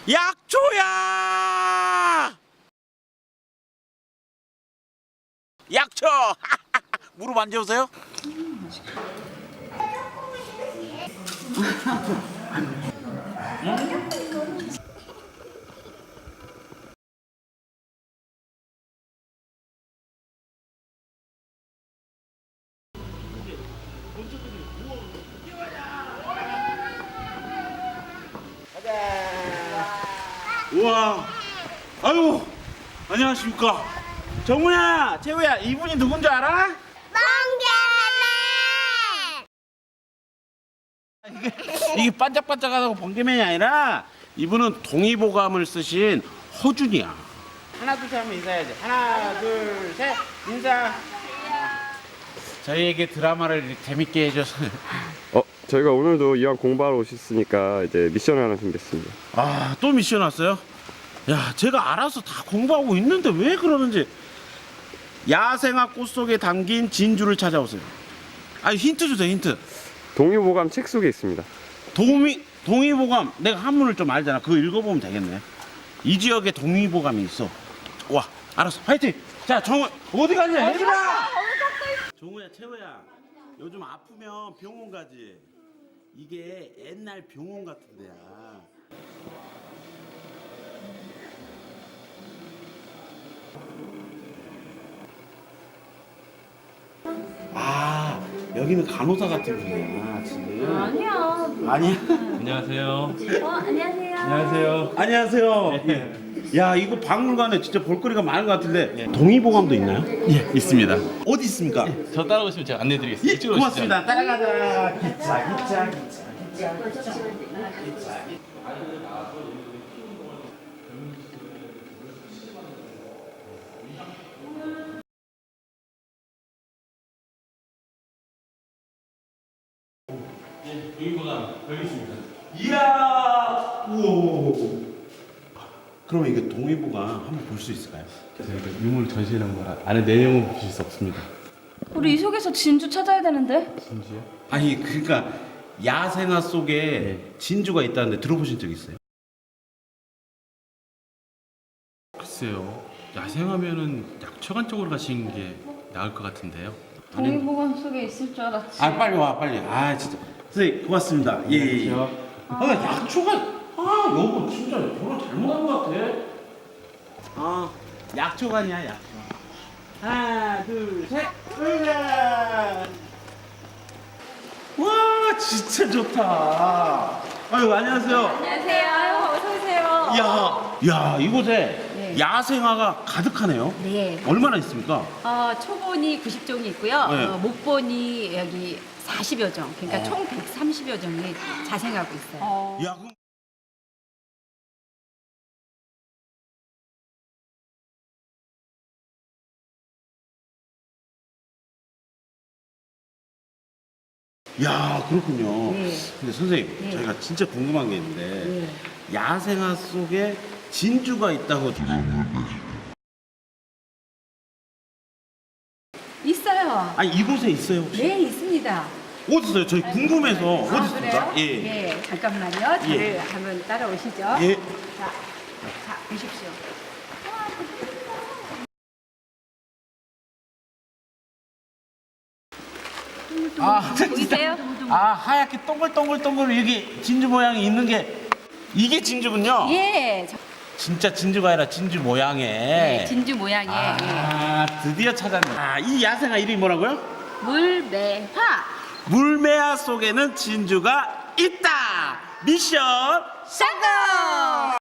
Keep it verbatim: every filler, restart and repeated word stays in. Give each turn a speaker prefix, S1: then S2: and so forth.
S1: 약초야! 약초! 무릎 안 재우세요? 우와, 아유, 안녕하십니까. 정우야, 채우야, 이분이 누군지 알아?
S2: 번개맨!
S1: 이게, 이게 반짝반짝하다고 번개맨이 아니라 이분은 동의보감을 쓰신 허준이야. 하나, 둘, 셋 하면 인사해야지. 하나, 둘, 셋, 인사. 저희에게 드라마를 이렇게 재밌게 해줘서.
S3: 어, 저희가 오늘도 이왕 공부하러 오셨으니까 이제 미션을 하나 준비했습니다.
S1: 아, 또 미션 왔어요? 야, 제가 알아서 다 공부하고 있는데 왜 그러는지. 야생화 꽃 속에 담긴 진주를 찾아오세요. 아, 힌트 주세요, 힌트.
S3: 동의보감 책 속에 있습니다.
S1: 동의, 동의보감. 내가 한문을 좀 알잖아. 그거 읽어보면 되겠네. 이 지역에 동의보감이 있어. 와, 알았어. 파이팅! 자, 정우, 어디 가냐, 얘들아! 정우야, 채우야, 요즘 아프면 병원 가지. 이게 옛날 병원 같은 데야. 아, 여기는 간호사 같은 분이야, 지금.
S2: 아니야.
S1: 아니야?
S4: 안녕하세요.
S2: 어, 안녕하세요.
S4: 안녕하세요.
S1: 안녕하세요. 예. 야, 이거 박물관에 진짜 볼거리가 많은 것 같은데 동의보감도 있나요?
S4: 예, 있습니다.
S1: 어디 있습니까?
S4: 저 따라오시면 제가 안내드리겠습니다.
S1: 예,
S4: 이쪽으로
S1: 고맙습니다. 따라가자. 기차, 기차, 기차.
S4: 오시죠. 동의보감 여기 있습니다.
S1: 이야, 우와. 그러면 이거 동의보감 한번 볼 수 있을까요?
S4: 저희가 유물 전시회라는 거라 안에 내용은 보실 수 없습니다.
S2: 우리 이 속에서 진주 찾아야 되는데.
S4: 진지요?
S1: 아니, 그러니까 야생화 속에 진주가 있다는데 들어보신 적 있어요?
S4: 글쎄요. 야생하면은 약초관 쪽으로 가시는 게 나을 것 같은데요.
S2: 동의보감 속에 있을 줄 알았지.
S1: 아, 빨리 와, 빨리. 아, 진짜. 선생님, 고맙습니다. 예, 예, 예. 아, 약초가, 아, 여보, 진짜 결혼 잘못한 것 같아. 아, 약초관이야, 약초. 하나, 둘, 셋, 으아! 와, 진짜 좋다. 아유, 안녕하세요.
S2: 안녕하세요. 아유, 어서 오세요.
S1: 야, 야, 이곳에
S2: 네.
S1: 야생화가 가득하네요.
S2: 네.
S1: 얼마나 있습니까?
S2: 어, 초본이 구십 종이 있고요.
S1: 네.
S2: 어, 목본이 여기 사십여 종. 그러니까
S1: 어.
S2: 총 백삼십여 종이 자생하고 있어요.
S1: 야, 그럼 야, 그렇군요.
S2: 네.
S1: 근데 선생님,
S2: 네.
S1: 저희가 진짜 궁금한 게 있는데
S2: 네.
S1: 야생화 속에 진주가 있다고 들었는데
S2: 있어요.
S1: 아니, 이곳에 있어요 혹시?
S2: 네, 있습니다.
S1: 어디 있어요? 저희 궁금해서 어디
S2: 아,
S1: 있습니까?
S2: 그래요?
S1: 예.
S2: 네, 잠깐만요. 저를
S1: 예.
S2: 한번 따라오시죠.
S1: 예.
S2: 자, 자, 보십시오.
S1: 아,
S2: 보이세요?
S1: 아, 하얗게 동글동글동글 여기 진주 모양이 있는 게 이게 진주군요.
S2: 예, 저-
S1: 진짜 진주가 아니라 진주 모양의.
S2: 네, 진주 모양의
S1: 아, 드디어 찾았네. 아, 이 야생화 이름이 뭐라고요?
S2: 예. 물매화.
S1: 물매화 속에는 진주가 있다. 미션
S2: 성공!